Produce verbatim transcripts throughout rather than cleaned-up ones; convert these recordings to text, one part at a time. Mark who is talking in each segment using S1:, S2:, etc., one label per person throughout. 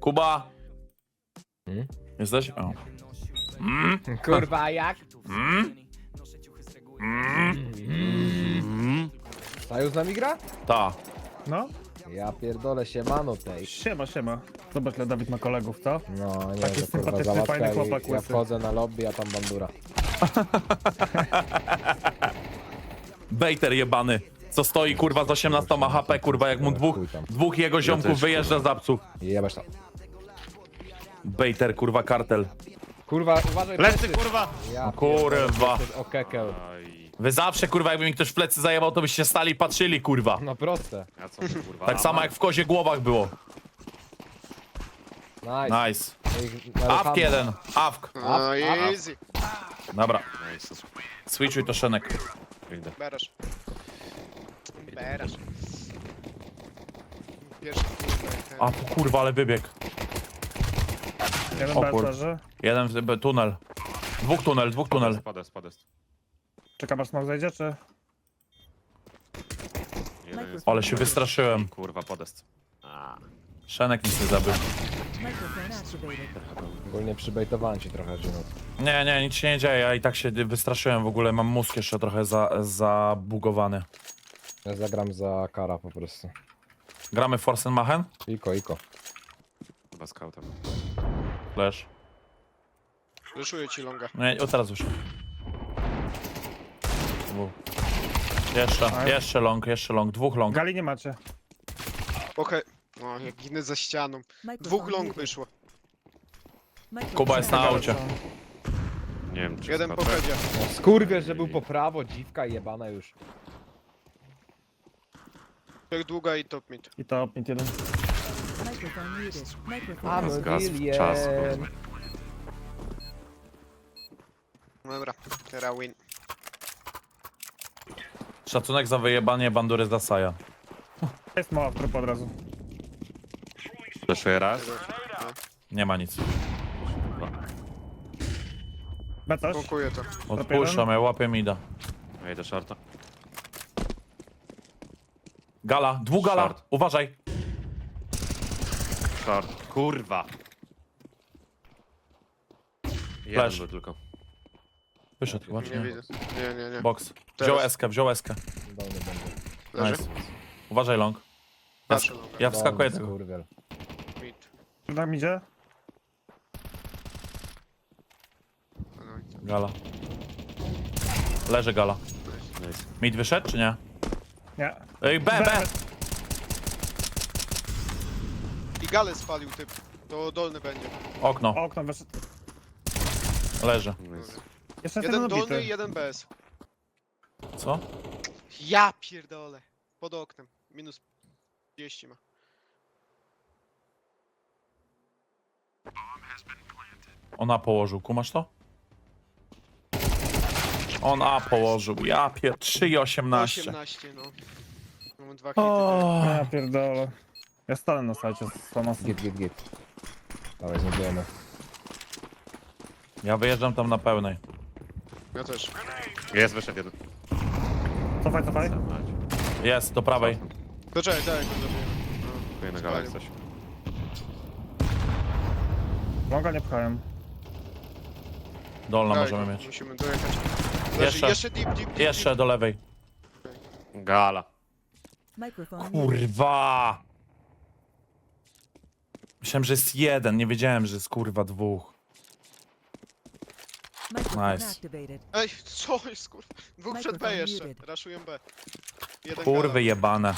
S1: Kuba!
S2: Hmm?
S1: Jesteś? O. Mm?
S2: Kurwa, a jak?
S1: Mm? Mm?
S2: Saju z nami gra?
S1: Ta.
S3: No,
S2: Ja pierdolę się mano tej.
S3: siema, siema. Zobacz, ile Dawid ma kolegów, co?
S2: No nie,
S3: Taki
S2: że kurwa
S3: sympatyczny,
S2: załatwia
S3: fajny
S2: i
S3: chłopak
S2: ja
S3: łysy.
S2: wchodzę na lobby, a tam bandura.
S1: Bejter jebany. Co stoi kurwa z osiemnastoma H P, kurwa, jak mu dwóch, dwóch jego ziomków
S4: też,
S1: wyjeżdża z psów.
S2: I jebać tam.
S1: Bejter, kurwa, kartel.
S2: Kurwa, uważaj,
S4: Lecy,
S2: plecy.
S4: kurwa!
S2: Ja
S1: Kurwa.
S2: O kekel.
S4: Aj,
S1: Wy zawsze, kurwa, jakby mi ktoś w plecy zajebał, to byście stali i patrzyli, kurwa.
S2: No proste.
S4: a co ty, kurwa?
S1: Tak samo jak w kozie głowach było.
S2: Nice.
S1: Nice.
S2: Ich-
S1: Awk jeden. Awk.
S5: No easy.
S1: Dobra.
S4: Nice.
S1: Switchuj to Szenek.
S4: Idę.
S5: Berasz. Berasz. Pierwszy kurde, ten.
S1: A tu kurwa, ale wybieg.
S3: Jeden
S1: O
S3: B
S1: kur-
S3: leży.
S1: Jeden w b- tunel. Dwóch tunel, dwóch tunel.
S4: Spadest, spadest.
S3: Czekam aż smok zajdzie, czy?
S4: Jeden jest.
S1: Ale się wystraszyłem.
S4: Kurwa, podest. A,
S1: Szenek nic nie zabił.
S6: Microphone activated.
S2: Ogólnie przybejtowałem ci trochę, Jimmy.
S1: Nie, nie, nic się nie dzieje. Ja i tak się wystraszyłem w ogóle. Mam mózg jeszcze trochę za, zabugowany.
S2: Ja zagram za kara po prostu.
S1: Gramy Forsenmachen?
S2: Iko, iko.
S4: chyba scoutem.
S1: Flash.
S5: Wyszuję ci longa.
S1: Nie, o teraz już. Dwóch. Jeszcze, jeszcze long, jeszcze long. Dwóch long.
S3: Gali nie macie.
S5: Okej. O, jak ginę za ścianą. Dwóch long wyszło.
S1: Kuba jest na aucie.
S4: Nie wiem, czy
S5: Jeden po
S4: scout-
S5: headzie.
S2: No, skurwiel, że był po prawo, dziwka jebana już.
S5: Jak długa i top mid.
S3: I to mid jeden.
S6: Microphone muted. Microphone
S2: A,
S4: Zgasł
S2: William.
S4: czas, kurwa.
S5: Dobra, teraz win.
S1: Szacunek za wyjebanie bandury z Dasaja.
S3: Jest mała w trup od razu.
S4: Fleszuję raz.
S1: Nie ma nic.
S3: B coś?
S5: Smokuję to.
S1: Odpuszczam, ja łapię mida.
S4: Ja idę shorta.
S1: Gala, dwóch gala.
S4: Short.
S1: Uważaj.
S4: Short. Kurwa! Jeden
S1: Flash.
S4: był tylko.
S1: Wyszedł chyba, czy
S5: Nie
S1: nie?
S5: widzę. Nie, nie, nie.
S1: Box.
S5: Teraz.
S1: Wziął eskę, wziął eskę.
S2: Dolny będzie.
S5: Leży.
S1: Nice. Uważaj long. Ja,
S5: Patrzę
S1: sk-
S5: longa.
S1: ja wskakuję
S2: Dolny
S1: tylko.
S2: skurwiel.
S5: Mid.
S3: Tam idzie?
S5: No i co?
S1: Gala. Leży gala.
S4: Nice.
S1: Mid wyszedł, czy nie?
S3: Nie.
S1: Ej, B, B!
S5: I galę spalił typ. To dolny będzie.
S1: Okno,
S3: Okno wyszedł.
S1: leży.
S4: Nice.
S3: Jeszcze
S5: Jeden
S3: jeden
S5: dolny
S3: obity.
S5: i jeden B S.
S1: Co?
S5: Ja pierdolę. Pod oknem. Minus trzydzieści ma.
S1: On A położył, kumasz to? On A położył, ja pier... trzy i osiemnaście.
S5: osiemnaście, no. Mam dwa hity.
S1: O,
S3: Ja pierdolę. Ja stanę na sajcie z Thomasem.
S2: Git, git, git. Dawaj, znajdziemy.
S1: ja wyjeżdżam tam na pełnej.
S5: Ja też.
S4: Jest, wyszedł jeden.
S3: Cofaj, cofaj.
S1: Jest, do prawej.
S5: To czekaj, daj, go zabiję.
S4: Kupuję na galę jak coś.
S3: Longa nie pchają.
S1: Dolna
S5: Daj,
S1: możemy
S5: go,
S1: mieć.
S5: Musimy dojechać. Leży,
S1: Jeszcze.
S5: jeszcze deep, deep, deep.
S1: Jeszcze do lewej.
S4: Gala.
S6: Microphone muted.
S1: Kurwa! Myślałem, że jest jeden, nie wiedziałem, że jest kurwa dwóch.
S6: Microphone
S1: Nice.
S6: activated.
S5: Ej, co jest kurwa? Dwóch przed B
S6: Microphone
S5: jeszcze.
S6: muted.
S5: Raszują B. Jeden
S1: Kurwy
S5: gala.
S1: jebane.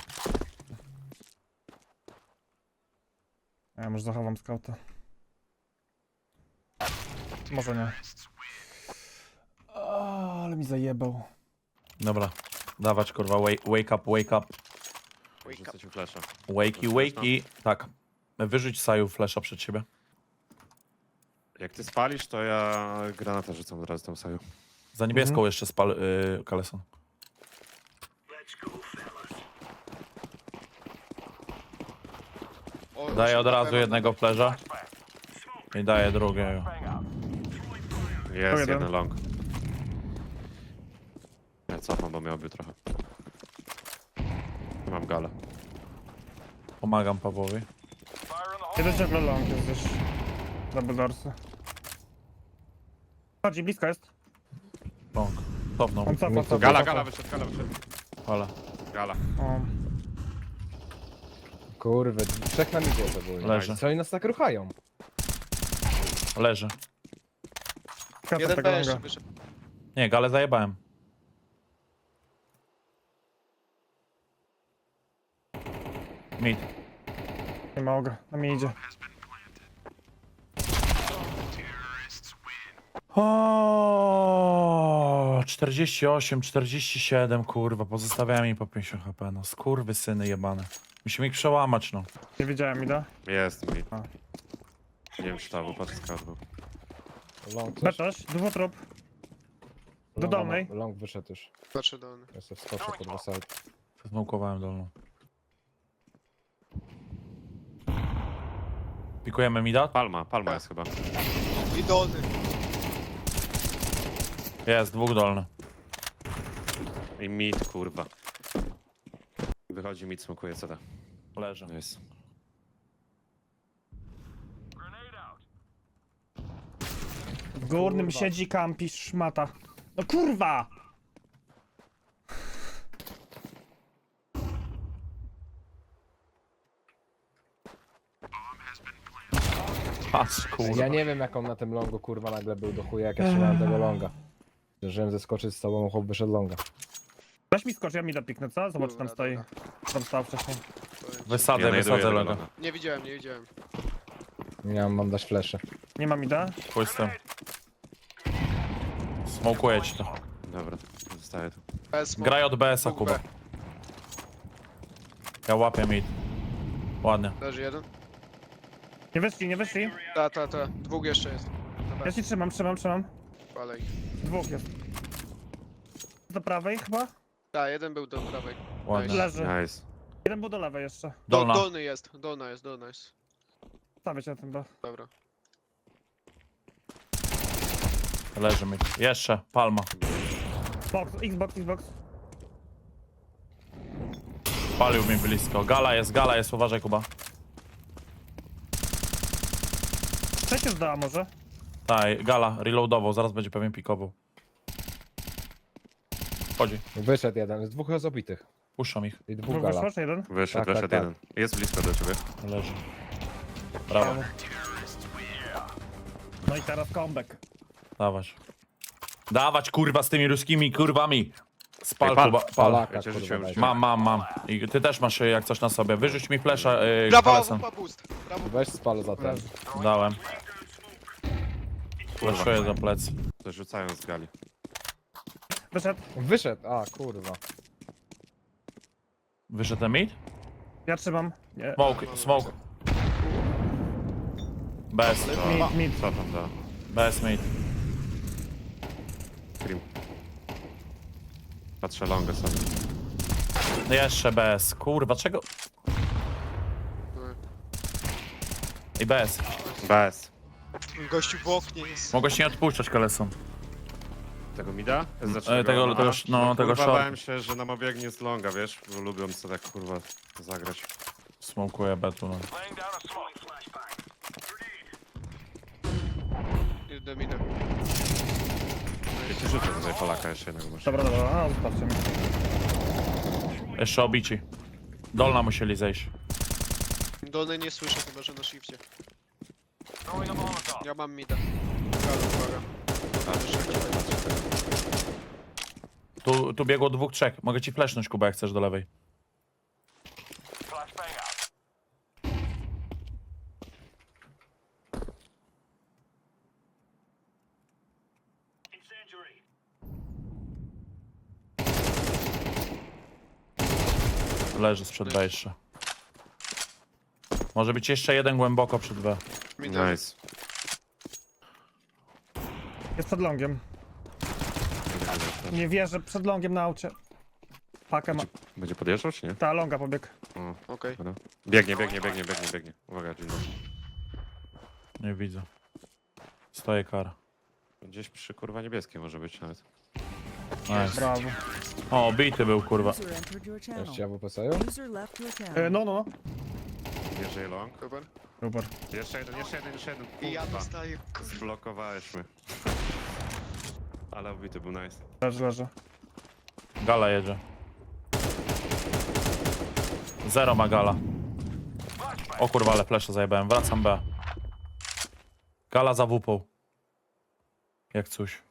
S3: Ja może zachowam skauta. Może nie. O, ale mi zajebał.
S1: Dobra, dawać kurwa, wake, wake up, wake up.
S5: Wake
S4: Rzucę
S5: up.
S4: ci flasha.
S1: Wakey, wakey. Tak. Wyrzuć Saju flasha przed siebie.
S4: Jak ty spalisz, to ja granatę rzucam od razu tam saju.
S1: Za niebieską jeszcze spal, yy, Kaleson.
S5: O,
S1: Daję od
S5: na
S1: razu
S5: pewno
S1: jednego flasha. I daję drugiego.
S4: Jest
S3: jeden.
S4: jeden long. Ja cofam, bo miałby trochę. Mam galę.
S1: Pomagam Pawłowi.
S3: Jeden ciągle long jest gdzieś. Double dorsy. Chodzi, blisko jest.
S1: Bąk. Cofnął.
S3: On cofa, cofa.
S4: Gala,
S3: cofa.
S4: gala wyszedł, gala wyszedł.
S1: Ale.
S4: Gala.
S3: O.
S2: Kurwa, trzech na midzie to było.
S1: Leży.
S2: Co oni nas tak ruchają?
S1: Leży.
S3: Kata
S5: Jeden
S3: tego
S5: B jeszcze
S3: longa.
S5: wyszedł.
S1: Nie, galę zajebałem. Mid.
S3: Nie mogę, na mnie idzie.
S1: O, czterdzieści osiem, czterdzieści siedem, kurwa, pozostawiałem mi po pięćdziesiąt H P, no skurwy syny jebane. Musimy ich przełamać, no.
S3: Nie wiedziałem, ida.
S4: Jest mi.
S3: A.
S4: Nie wiem czy to był, patrz scout był.
S2: Long coś?
S3: Betoś, dwutrop. do
S2: Longa
S3: dolnej.
S2: ma- Long wyszedł już.
S5: Patrzę dolny.
S2: Ja sobie wskoczę kurwa side.
S1: Zmałkowałem dolną. Pikujemy mida?
S4: Palma, palma jest chyba.
S5: I dolny.
S1: Jest, dwóch dolny.
S4: I mid, kurwa. Wychodzi mid, smokuje C D.
S1: Leży.
S4: Jest.
S3: W górnym
S2: Kurwa.
S3: siedzi kampi szmata. No kurwa!
S1: Patrz, kurwa.
S2: Ja nie wiem jak on na tym longu kurwa nagle był do chuja jak ja trzymałem tego longa. Zdążyłem zeskoczyć z tobą, chłop wyszedł longa.
S3: Weź mi skocz, ja mi dopiknę, co? Zobacz, tam
S5: Dobra,
S3: stoi.
S5: dobra.
S3: Tam stał wcześniej.
S1: Wysadzę,
S4: Ja znajduję
S1: wysadzę
S4: tego
S1: logo.
S4: longa.
S5: Nie widziałem, nie widziałem.
S2: Nie mam, mam dać flesze.
S3: Nie mam ida.
S1: Pójdź z tym. Smokuję ci to.
S4: Dobra, zostaje tu.
S5: Bez
S1: Graj od B S-a,
S5: Dwóch
S1: Kuba.
S5: B.
S1: Ja łapię mid. Ładnie.
S5: Leży jeden.
S3: Nie wyszli, nie wyszli.
S5: Ta, ta, ta. Dwóch jeszcze jest.
S3: Ja
S5: Dobra,
S3: ci trzymam, trzymam, trzymam.
S5: ale
S3: Dwóch jest. Do prawej chyba?
S5: Ta, jeden był do prawej.
S1: Ładnie.
S3: Leży.
S4: Nice.
S3: Jeden był do lewej jeszcze.
S5: Do,
S1: Dolna.
S5: dolny jest, dolna jest, dolna jest.
S3: Stawię cię na tym, bo...
S5: Dobra.
S1: Leży mid. Jeszcze, palma.
S3: Box, Xbox, Xbox.
S1: Palił mi blisko. Gala jest, gala jest, uważaj Kuba.
S3: Trzecie zdała może.
S1: Tak, gala, reloadował, zaraz będzie pewnie pikował. Chodzi,
S2: Wyszedł jeden, z dwóch jest obitych.
S1: puszczam ich.
S2: I dwóch
S3: Dwóch
S2: gala.
S3: wyszło, czy jeden?
S4: Wyszedł,
S2: Tak,
S4: wyszedł
S2: tak,
S4: jeden. Jest blisko do ciebie.
S1: Leży. Brawo,
S3: No i teraz comeback.
S1: dawać. Dawać kurwa z tymi ruskimi kurwami. Spal
S4: Ej, pal,
S1: Kuba, pal.
S2: Polaka,
S4: Ja cię
S2: kurwa,
S4: rzuciłem,
S2: daj.
S4: rzuciłem.
S1: Mam, mam, mam. I ty też masz y, jak coś na sobie. Wyrzuć mi flesza yy,
S5: Brawo,
S1: kalesem.
S5: wupa boost. Brawo.
S2: Weź spal za ten.
S3: Leży.
S1: Dałem. Fleszuję za plecy.
S4: To rzucają z gali.
S3: Wyszedł.
S2: Wyszedł, a kurwa.
S1: Wyszedł ten mid?
S3: Ja trzymam. Nie.
S1: Smoke, smoke. Bez,
S3: Mid, mid.
S4: Co tam da?
S1: bez mid.
S4: Scream. Patrzę longa sobie.
S1: Jeszcze bez. Kurwa, czego? I bez.
S4: Bez.
S5: Gościu w oknie jest.
S1: Mogłeś nie odpuszczać kalesą.
S4: Tego mida? Znaczy
S1: E, tego-
S4: no,
S1: tego
S4: a,
S1: sz- no, tego
S4: kurwa,
S1: short.
S4: bałem się, że nam obiegnie z longa, wiesz? Bo lubią sobie tak kurwa zagrać.
S1: Smokuję betu, no.
S5: Idę, idę.
S4: Ja ci rzucę tutaj Polaka jeszcze jednego masz.
S3: Dobra, dobra, a zostawcie mi.
S1: Jeszcze obici. Dolna musieli zejść.
S5: Dolny nie słyszę, chyba że na shifcie. Ja mam mida. Uwaga, uwaga.
S1: Tu, tu biegło dwóch, trzech. Mogę ci flashnąć, Kuba, jak chcesz do lewej. Leży sprzed B jeszcze. Może być jeszcze jeden głęboko przed B.
S5: Mida.
S4: Nice.
S3: Jest przed longiem. Nie wierzę, przed longiem na aucie. Pakę ma.
S4: Będzie podjeżdżał czy nie?
S3: Ta longa pobiegł.
S4: O,
S5: Okej.
S4: dobra. Biegnie, biegnie, biegnie, biegnie, biegnie. Uwaga, Gino.
S1: Nie widzę. Stoję kara.
S4: Gdzieś przy kurwa niebieskiej może być nawet.
S1: Nice.
S3: Brawo.
S1: O, bity był, kurwa.
S6: User entered your channel.
S2: Jeszcze ja w P S-u?
S6: User left your
S3: E,
S6: channel.
S3: no, no, no.
S4: Bierze long.
S5: Super.
S3: Super.
S4: Jeszcze jeden, jeszcze jeden, jeszcze jeden.
S5: I ja
S4: Kurwa.
S5: dostaję.
S4: Zblokowałeś mnie. Ale obity był nice.
S3: Leży, leży.
S1: Gala jedzie. Zero ma gala. O kurwa, ale flesze zajebałem. Wracam B. Gala za wupą. Jak coś.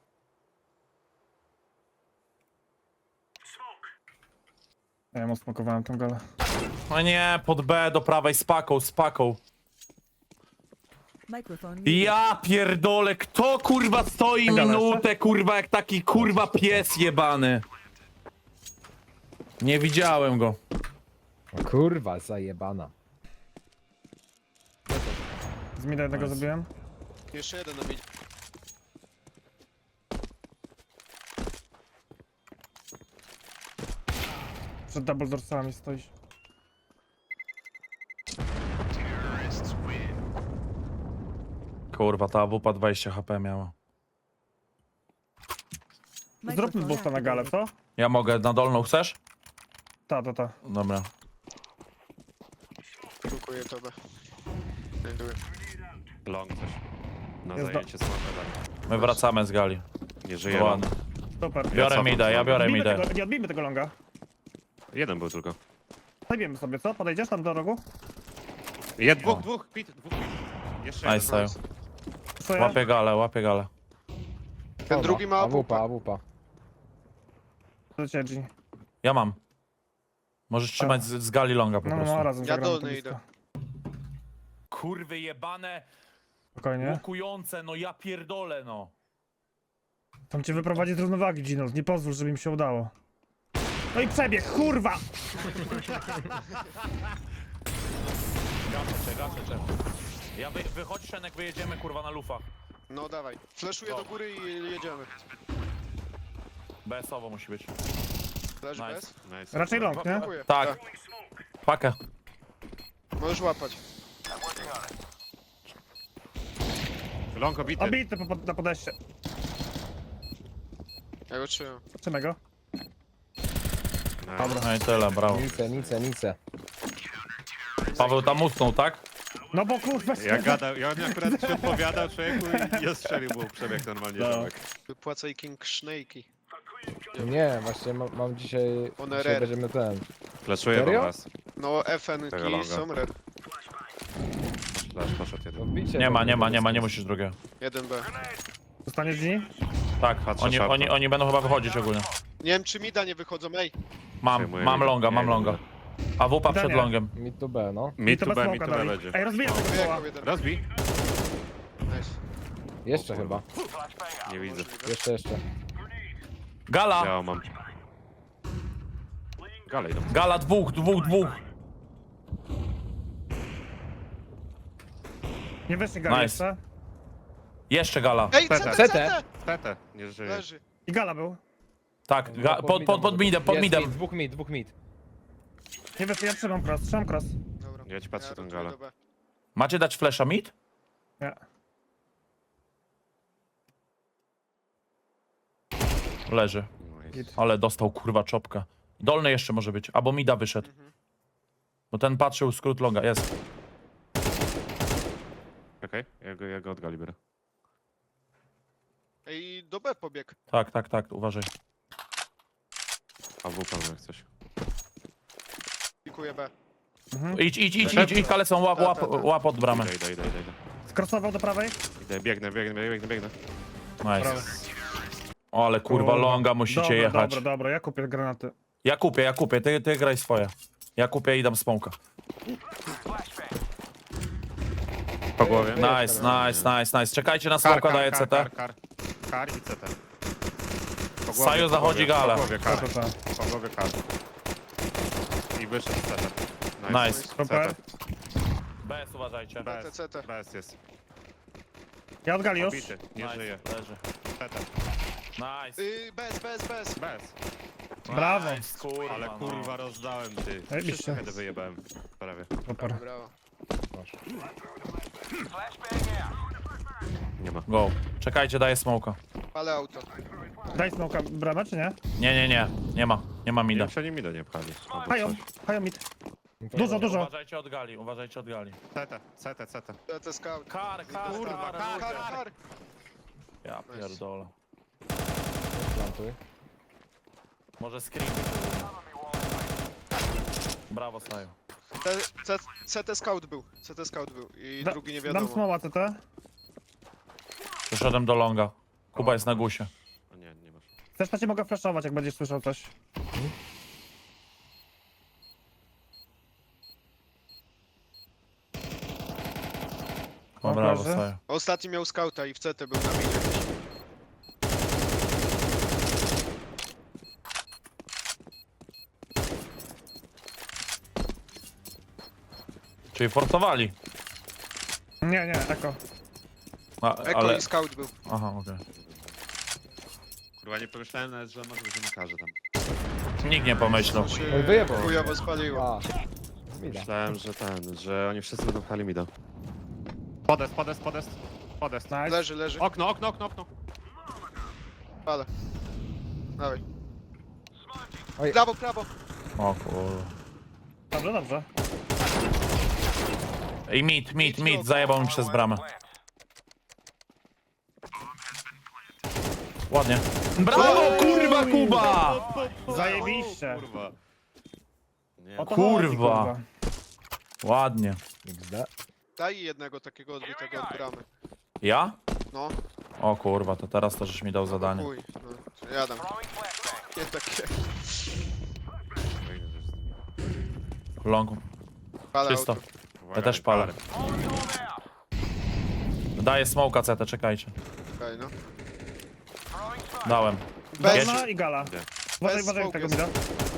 S3: Ja mu smakowałem tą galę.
S1: No nie, pod B do prawej z paką, z paką.
S6: Microphone muted.
S1: Ja pierdolę, kto kurwa stoi
S3: Gala
S1: minutę, kurwa, jak taki kurwa pies jebany. Nie widziałem go.
S2: O kurwa, zajebana.
S3: Z mida jednego
S1: Nice.
S3: zabiłem.
S5: Jeszcze jeden na midzie.
S3: Przed double dorsami stoisz.
S1: Kurwa, ta wupa dwadzieścia H P miała.
S3: Zróbmy
S6: Microphone
S3: boosta na galę,
S6: activated.
S3: co?
S1: Ja mogę na dolną, chcesz?
S3: Ta, ta, ta.
S1: Dobra.
S5: Dziękuję tobie. Znajduję.
S4: Long coś. Na
S3: Jest do-
S4: zajęcie smoka dali.
S1: My wracamy z gali.
S4: Nie żyje long.
S1: Ładnie.
S3: Super.
S1: Biorę
S4: cofam
S1: mida, ja
S4: znowu.
S1: biorę
S3: Odbijmy
S1: midę.
S3: tego, nie odbijmy tego longa.
S4: Jeden był tylko.
S3: Zajmiemy sobie, co? Podejdziesz tam do rogu?
S4: Jed, dwóch, dwóch, pit, dwóch pit. Jeszcze
S1: Nice,
S4: jeden.
S1: Saju.
S3: Swoje?
S1: Łapię galę, łapię galę.
S5: Ten drugi ma
S2: awupa,
S5: AWP.
S2: awupa.
S3: Do ciebie, G.
S1: Ja mam. Możesz trzymać z, z gali longa po
S3: No, no,
S1: prostu.
S3: no, razem
S5: Ja
S3: zagramy
S5: dolny
S3: to
S5: idę.
S3: blisko.
S1: Kurwy jebane,
S3: Spokojnie.
S1: łukujące, no ja pierdolę, no.
S3: Tam cię wyprowadzi z równowagi, Ginos. Nie pozwól, żeby im się udało. No i przebieg, kurwa!
S1: Gaszę cię, gaszę cię. Ja wy, wychodź, Szenek, wyjedziemy kurwa na lufach.
S5: No dawaj. Flashuję do góry i jedziemy.
S1: B S-owo musi być.
S5: Leży
S1: Nice.
S5: bez?
S4: Nice.
S3: Raczej long, nie?
S5: Dziękuję.
S1: Tak. Pakę.
S5: Możesz łapać.
S4: Long obity.
S3: Obity po, po, na podejście.
S5: Ja go trzymam.
S3: Trzymaj go.
S4: Nice.
S1: No i tyle, brawo.
S2: Nice, nice, nice.
S1: Paweł tam usnął, tak?
S3: No bo kurwa
S4: Ja gadał, ja on akurat się odpowiadał człowieku i ja strzelił mu przebieg normalnie
S3: No.
S4: ziomek.
S5: Wypłacaj King Snake'i.
S2: Nie, właśnie mam, mam dzisiaj...
S5: One
S2: dzisiaj
S5: rare.
S2: będziemy ten...
S4: Flaszuję wam
S2: Serio?
S4: was.
S5: No F N
S4: Tego
S5: ki
S4: longa.
S5: są red.
S4: Flash poszedł jeden.
S2: Odbicie
S1: Nie ma,
S2: to
S1: nie ma,
S2: będzie
S1: nie ma, nie
S2: bez-
S1: musisz drugiego.
S5: jeden B.
S3: Zostaniesz G?
S1: Tak,
S4: Patrzę
S1: oni,
S4: szarpą.
S1: oni, oni będą chyba wychodzić ogólnie.
S5: Nie wiem czy mida nie wychodzą, ej.
S1: Mam,
S4: Przejmuję
S1: mam
S4: mida.
S1: longa, mam
S4: Nie,
S1: longa. A wupa przed
S3: Danie.
S1: longiem.
S2: Mid to B, no.
S4: Mi
S3: to
S4: tu
S3: bez
S4: B, mi
S3: smoka
S4: tu B
S3: dali.
S4: będzie.
S3: Ej, rozbijam tego koła.
S5: Wyjechał jeden.
S4: Rozbij.
S5: Nice.
S2: Jeszcze
S4: O kurwa.
S2: chyba.
S4: Nie widzę.
S2: Jeszcze, jeszcze.
S1: Gala,
S4: Ja mam. Galej idą.
S1: gala, dwóch, dwóch, dwóch.
S3: Nie wyszli gali
S1: Nice.
S3: jeszcze.
S1: Jeszcze gala.
S5: Ej,
S4: C
S5: C
S4: T.
S5: T,
S2: C T.
S5: C T!
S4: T T, nie żyje.
S5: Leży.
S3: I gala był.
S1: Tak, ga, pod, pod, pod midem, pod
S2: Jest
S1: midem.
S2: mid, dwóch mid, dwóch mid.
S3: Nie wyszli, ja trzymam cross, trzymam cross.
S5: Dobra.
S4: Ja ci patrzę
S5: Ja
S4: tą
S5: rotuję
S4: galę.
S5: do B.
S1: Macie dać flasha mid?
S3: Nie.
S1: Leży.
S4: Nice.
S1: Ale dostał kurwa czopka. Dolny jeszcze może być, albo mida wyszedł.
S5: Mhm.
S1: Bo ten patrzył skrót longa, jest.
S4: Okej, ja go, ja go od gali biorę.
S5: Ej, do B pobieg.
S1: Tak, tak, tak, uważaj.
S4: A w pan jak coś.
S5: Pikuję B.
S1: Idź, idź, idź, idź, idź, kalecą, łap, łap, łap od bramy.
S4: Idę, idę, idę, idę, idę.
S3: Skrossował do prawej.
S4: Idę, biegnę, biegnę, biegnę, biegnę.
S1: Nice. O, ale kurwa longa musicie
S3: dobra,
S1: jechać.
S3: Dobra, dobra, ja kupię granaty.
S1: Ja kupię, ja kupię, ty, ty graj swoje. Ja kupię i dam smoka.
S4: Po głowie.
S1: Nice, nice, nice, nice. Czekajcie na
S4: Kar,
S1: smoka,
S4: kar,
S1: daję
S4: kar,
S1: C T.
S4: kar, kar, kar i C T. Po głowie,
S1: Saju
S4: po
S1: zachodzi
S4: głowie,
S1: gala.
S4: Po głowie
S3: Ta,
S4: kar,
S3: ta, ta.
S4: po głowie kar. I wyszedł C T.
S1: Nice.
S3: Super.
S1: B S uważajcie.
S4: B S,
S5: C T.
S4: B S jest.
S3: Ja od gali już.
S4: Obity, nie
S1: Nice,
S4: żyje.
S1: leży.
S4: C T.
S1: Nice.
S5: Yy, bez, bez, bez.
S4: B S.
S3: Brawo.
S1: Nice, kurwa,
S4: Ale
S1: no.
S4: kurwa rozdałem ty.
S3: Zajebiście.
S4: Wszystkie heady wyjebałem. Prawie.
S3: Super.
S5: Brawo.
S4: Nie ma.
S1: Go. Czekajcie, daję smoka.
S5: Ale auto.
S3: Daj smoka bramę, czy nie?
S1: Nie, nie, nie. Nie ma. Nie ma
S4: Nie
S1: mida.
S4: wiem, czy oni mi do nie pchali. albo
S3: Hają,
S4: coś.
S3: hają mid. Dużo, dużo.
S1: Uważajcie od gali, uważajcie od gali.
S4: C T, C T, C T.
S5: C T scout.
S1: Kar, kar,
S5: Kurwa,
S1: kar,
S5: kar, kar.
S1: Ja pierdolę.
S2: Plantuj.
S1: Może screen. Brawo, Saju.
S5: C- C- C T scout był. C T scout był. I
S3: Da,
S5: drugi nie
S3: dam
S5: wiadomo.
S3: smoła C T.
S1: Przeszedłem do longa. Kuba jest na gusie.
S4: O nie, nie masz.
S3: Też na cię mogę flashować, jak będziesz słyszał coś.
S1: O,
S3: O,
S1: brawo,
S3: proszę.
S1: Saju.
S5: Ostatni miał scouta i w C T był na minie.
S1: Czyli fortowali.
S3: Nie, nie, eko.
S1: A,
S5: Eko
S1: ale...
S5: i scout był.
S1: Aha, okej.
S4: Kurwa, nie pomyślałem nawet, że może być dziennikarze tam.
S1: Nikt nie pomyślał.
S5: To się
S2: Oj, wyjebał.
S5: chujowo spaliło.
S2: A. Mida.
S4: Myślałem, że ten, że oni wszyscy będą pchali mi do. Podest, podest, podest. Podest.
S3: Nice.
S5: Leży, leży.
S4: Okno, okno, okno, okno.
S5: Ale. Dawaj.
S2: Oj.
S5: Prawo, prawo.
S1: O kurwa.
S3: Dobrze, dobrze.
S1: I mit, mit, mit, zajebał mi przez bramę. Ładnie. Brawo, kurwa, Kuba!
S3: Zajebiście.
S4: Kurwa. Nie,
S3: O to
S1: Kurwa.
S3: chodzi,
S1: Ładnie.
S2: X D.
S5: Daj jednego takiego odbitego od bramy.
S1: Ja?
S5: No,
S1: O kurwa, to teraz to żeś mi dał zadanie.
S5: chuj. No, to ja dam. Nie takie.
S4: fajne rzeczy z nimi.
S1: Long.
S5: Palę
S1: Czysto.
S5: auto.
S4: Uwaga,
S1: też palę.
S4: kary.
S1: Daję smoka C T, czekajcie.
S5: Okej, no.
S1: Dałem.
S5: Bez,
S3: Dolna i gala.
S4: Idę.
S3: Uważaj,
S5: Bez
S3: uważaj
S5: smoke
S3: tego
S5: jest.
S3: mida.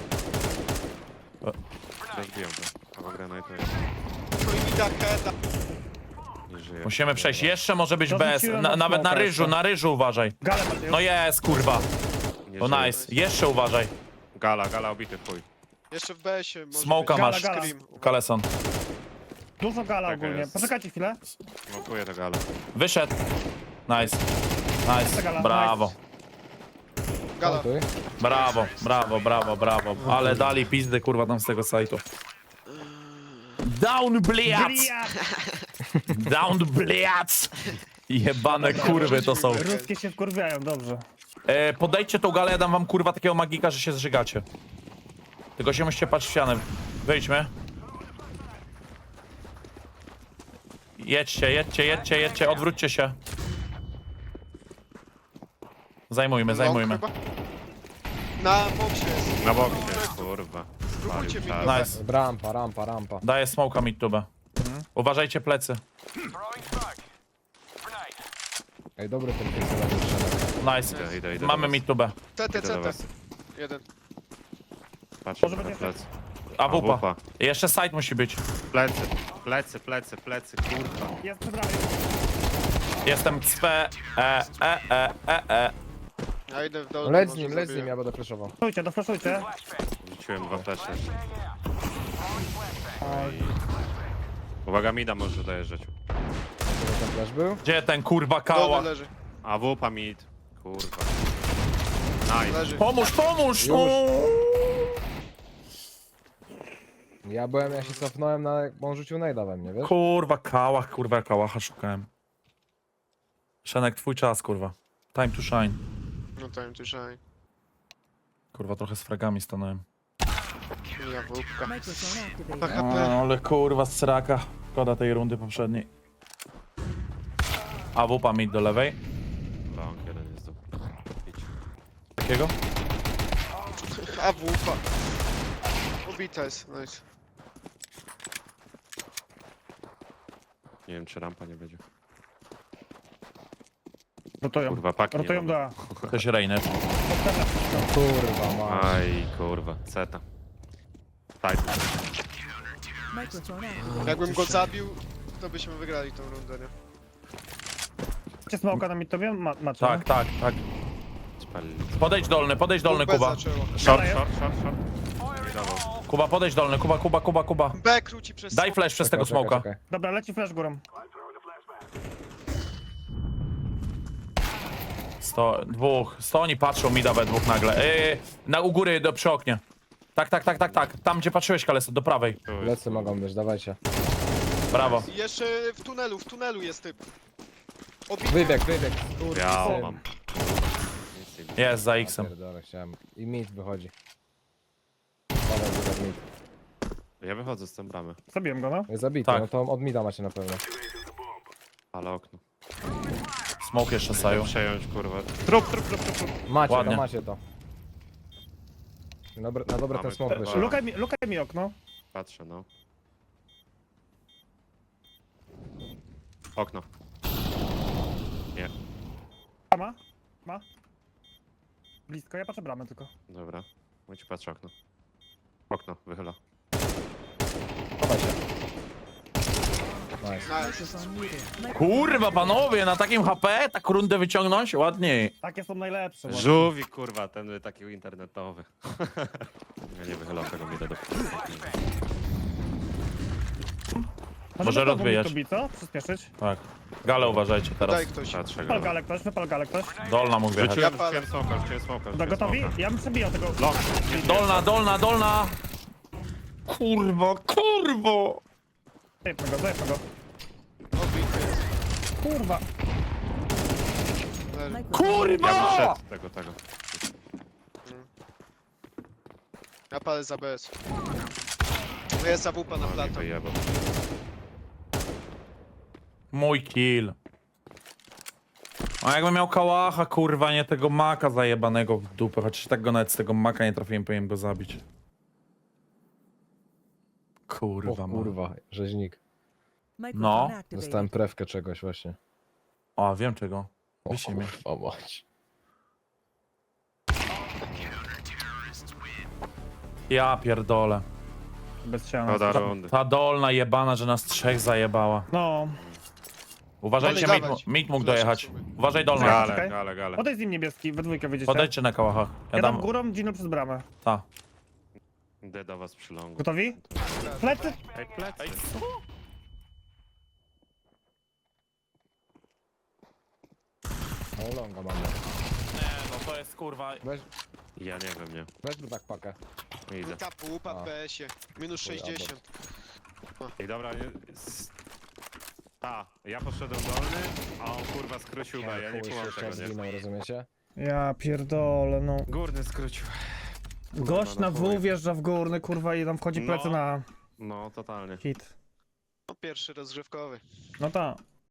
S4: Rozbiję go. Albo grę na to jest.
S5: no i da heada.
S4: Nie żyje.
S1: Musimy przejść. Jeszcze może być
S3: Dorzuciłem
S1: bez.
S3: na
S1: Na, nawet na
S3: smoka
S1: ryżu,
S3: jeszcze.
S1: na ryżu uważaj.
S3: Galę macie
S1: No
S3: już.
S1: jest, kurwa.
S4: Nie
S1: To
S4: żyje.
S1: nice. Jeszcze uważaj.
S4: Gala, gala obity, chuj.
S5: Jeszcze w B S-ie może
S1: Smoka
S5: być.
S1: masz.
S3: Gala,
S5: Scream.
S1: Kaleson.
S3: Dużo gala
S4: Taka
S3: ogólnie.
S4: jest.
S3: Poczekajcie chwilę.
S4: Smokuję to gala.
S1: Wyszedł. Nice. Nice.
S3: Gala,
S1: Brawo.
S5: Gala.
S2: Plantuj.
S1: Brawo, brawo, brawo, brawo. Ale dali pizdy, kurwa, tam z tego sajtu. Down, bliac!
S3: Blia!
S1: Down, bliac! Jebane kurwy to są.
S3: Ruskie się wkurwiają, dobrze.
S1: E, podejdźcie tą galę, ja dam wam kurwa takiego magika, że się zżygacie. Tylko się musicie patrzeć w ścianę. Wyjdźmy. Jedźcie, jedźcie, jedźcie, jedźcie, odwróćcie się. Zajmujmy, zajmujmy.
S5: Long chyba? Na boksie jest.
S4: Na boksie, kurwa.
S5: Spróbujcie mi
S4: Palił
S5: go.
S4: czas.
S1: Nice.
S2: Rampa, rampa, rampa.
S1: Daję smoka mid tubę. Uważajcie plecy.
S2: Ej, dobry ten pies na wytrzymać.
S1: Nice.
S4: Idę, idę, idę
S1: Mamy
S4: do was.
S1: mid tubę.
S5: C T,
S4: Idę do
S5: C T.
S4: was.
S5: Jeden.
S4: Patrzę
S3: Może
S4: na
S3: będzie
S4: plecy.
S1: A wupa.
S4: wupa.
S1: I jeszcze side musi być.
S4: Plecy, plecy, plecy, plecy, kurwa.
S3: Jest przed ramię.
S1: Jestem cpe. E, e, e, e, e.
S5: Ja idę w dół.
S2: No leć z
S5: może
S2: nim, leć z
S5: zabiję.
S2: nim, ja będę flashował.
S3: Doflaszujcie, doflaszujcie.
S4: Rzuciłem dwa flesze.
S3: Oj.
S4: Uwaga, mida może dojeżdżać.
S2: To ten flash był?
S1: Gdzie ten kurwa
S5: Dolny
S1: kała?
S5: leży.
S4: A wupa mid. Kurwa. Nice.
S5: Leży.
S1: Pomóż, pomóż!
S2: Już.
S1: O!
S2: Ja byłem, ja się cofnąłem na... bo on rzucił najda we mnie, wiesz?
S1: Kurwa kałach, kurwa kałacha szukałem. Szenek, twój czas, kurwa. Time to shine.
S5: No time to shine.
S1: Kurwa, trochę z fragami stanąłem.
S5: Ja wódka.
S6: Microphone activated.
S5: P H P.
S1: ale kurwa, sraka. Szkoda tej rundy poprzedniej. A wupa mid do lewej.
S4: Long, jeden jest tu. Idź.
S1: Takiego?
S5: A wupa. Ubita jest, nice.
S4: Nie wiem, czy rampa nie będzie.
S3: Rotują.
S4: Kurwa, paki nie
S3: Rotują
S4: mamy.
S3: do A.
S1: Ktoś Reynet.
S2: Kurwa, ma.
S4: Aj, kurwa. Ceta. Tak.
S6: Microphone activated.
S5: Jakbym go zabił, to byśmy wygrali tą rundę, nie?
S3: Macie smoka na mid tobie? Ma, macie,
S1: Tak, tak, tak.
S4: Spalili.
S1: Podejdź dolny, podejdź dolny,
S5: Dwóch B
S1: Kuba.
S5: zaczęło.
S4: Short, short, short, short. Nie dawał.
S1: Kuba, podejdź dolny, Kuba, Kuba, Kuba, Kuba.
S5: B króci przez...
S1: Daj flash przez tego
S2: Czekaj,
S1: smoka.
S2: czekaj, czekaj.
S3: Dobra, leci flash górą.
S1: Sto, dwóch. Sto oni patrzą, mi da we dwóch nagle. Yy, na u góry, do, przy oknie. Tak, tak, tak, tak, tak. Tam, gdzie patrzyłeś, Kaleso, do prawej.
S4: Tu jest,
S2: Lecy mogą być, dawajcie.
S1: Brawo.
S5: I jeszcze w tunelu, w tunelu jest typ. Obity.
S2: Wybieg, wybieg. Kurwa,
S4: Ja
S2: syn.
S4: mam. Nic nie
S1: Jest za
S2: Ja
S1: X-em.
S2: pierdolę, chciałem. I mid wychodzi. Dawaj, dawaj, mid.
S4: Ja wychodzę z tej bramy,
S3: Zabiłem go, no.
S2: Jest zabity,
S1: Tak.
S2: no to od mida macie na pewno.
S4: ale okno.
S1: Smoke jeszcze saju.
S4: Przejąć, kurwa. Trup, trup, trup, trup, trup.
S2: Macie
S1: Ładnie.
S2: to, macie to. Dobre, na dobre ten
S4: Mamy
S2: smok
S4: te-
S2: wyszedł.
S3: Lukaj mi, lukaj mi okno.
S4: Patrzę, no. Okno. Nie,
S3: A ma? Ma? Blisko, ja patrzę bramę tylko.
S4: dobra. Mój ci patrzę okno. Okno, wychyla.
S2: Chowaj się. Nice.
S5: Nice.
S6: Microphone muted. Microphone
S1: Kurwa, panowie, na takim H P tak rundę wyciągnąć? Ładniej.
S3: Takie są najlepsze. właśnie.
S4: Żółwik, kurwa, ten taki internetowy. Ja nie wychylam tego mida do
S3: Możemy
S1: Może
S3: to
S1: rozwijać.
S3: tu bić, co? Przyspieszyć.
S1: Tak. Gale uważajcie teraz.
S5: Daj ktoś.
S4: Patrzę
S3: Wypal
S4: go.
S3: galę ktoś, wypal galę ktoś.
S1: Dolna mógł wjechać.
S4: Rzuciłem,
S5: Ja palę.
S4: rzuciłem smoka, rzuciłem smoka,
S3: Da
S4: rzuciłem
S3: gotowi?
S4: smoka.
S3: Ja bym przebijał tego.
S4: Long.
S1: Dolna, dolna, dolna! Kurwa, kurwo!
S3: Zajebmy go, zajebmy go.
S5: Obity jest.
S3: Kurwa.
S5: Leży.
S6: microphone
S4: Ja
S1: Kurwa!
S4: wyszedł tego, tego.
S5: Ja palę za B S. No jest A W P na
S4: No, mi
S5: plato.
S4: wyjebał.
S1: Mój kill. A jakbym miał kałacha, kurwa, nie tego maka zajebanego w dupę. Chociaż tak go nawet z tego maka nie trafiłem, powinienem go zabić. Kurwa,
S2: O
S1: ma.
S2: kurwa, rzeźnik.
S6: Microphone
S1: No,
S6: activated.
S2: Dostałem prewkę czegoś właśnie.
S1: O, wiem czego.
S2: O
S1: Wyślij mnie.
S2: kurwa mać.
S1: Ja pierdolę.
S3: Bez ściany.
S4: Szkoda rundy.
S1: Ta dolna jebana, że nas trzech zajebała.
S3: No.
S1: Uważajcie,
S5: Dalej,
S1: mit,
S5: dawać.
S1: mit mógł
S5: Flash
S1: dojechać.
S5: sobie.
S1: Uważaj dolna.
S3: Czekaj.
S4: Gale, gale, gale.
S3: Odejdź z nim niebieski, we dwójkę wyjdziecie.
S1: Podejdźcie na kałachach. Ja
S3: Ja dam
S1: dam.
S3: górą, Gino przez bramę.
S1: Ta.
S4: Idę do was przy longu.
S3: Gotowi? Plecy!
S4: Ej, plecy.
S2: No longa mamy.
S1: Nie, no to jest kurwa.
S2: Weź,
S4: Ja nie wiem, nie.
S2: weź tu tak pakę.
S4: Idę.
S5: Tapu, upadł
S2: A.
S5: w B S-ie. Minus
S2: Chuj,
S5: sześćdziesiąt.
S4: Ej, dobra, nie... s- A, ja poszedłem dolny, a on kurwa skrócił B, ja nie
S2: Chuj,
S4: kumam
S2: jeszcze
S4: tego, nie?
S2: zginął, rozumiecie?
S3: Ja pierdolę, no.
S4: Górny skrócił.
S3: Gość na
S4: no
S3: W
S4: chuj.
S3: wjeżdża w górny, kurwa, i tam wchodzi plecy
S4: No.
S3: na
S4: No, totalnie.
S3: hit.
S5: No pierwszy rozgrzewkowy.
S3: No tak.